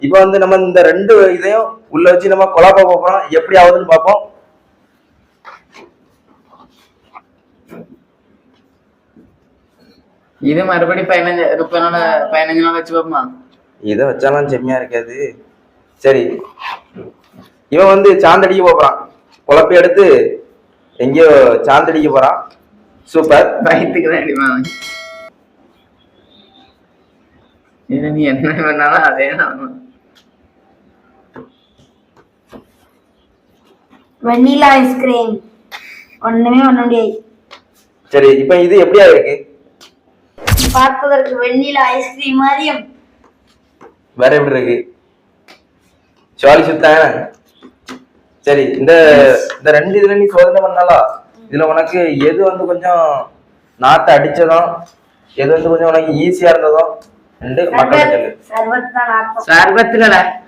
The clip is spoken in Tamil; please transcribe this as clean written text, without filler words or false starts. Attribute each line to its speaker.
Speaker 1: இப்ப வந்து நம்ம இந்த ரெண்டு இதையும் உள்ள வச்சு நம்ம குழப்ப போறோம், எப்படி ஆகுதுன்னு பார்ப்போம்.
Speaker 2: இது மறுபடி 15 நாள் வச்சு பார்ப்போமா?
Speaker 1: இதை வச்சாலும் செம்மையா இருக்காது. சரி, இவன் வந்து சாந்தடிக்க போறான், குழப்பி எடுத்து எங்கேயோ சாந்தடிக்க போறான். சூப்பர்.
Speaker 2: வயிற்றுக்கு தான் அடிமா. இது நீ என்ன பண்ணாலும் அதே தான்.
Speaker 3: வெண்ணிலா ஐஸ்கிரீம் ஒண்ணுமே பண்ண முடியாது.
Speaker 1: சரி, இப்ப இது எப்படியா இருக்கு?
Speaker 3: பார்ப்பதற்கு வெண்ணிலா ஐஸ்கிரீம் மாதிரியும்
Speaker 1: வேற எப்படி இருக்கு? சுவாலி சுத்தான. சரி, இந்த ரெண்டு இதுல நீ சோதனை பண்ணாலும் இதுல உனக்கு எது வந்து கொஞ்சம் நாத்தை அடிச்சதும், எது வந்து கொஞ்சம் உனக்கு ஈஸியா இருந்ததும் ரெண்டு மக்கள் சொல்லு.
Speaker 3: சர்பத் தான்.
Speaker 2: சர்பத்துல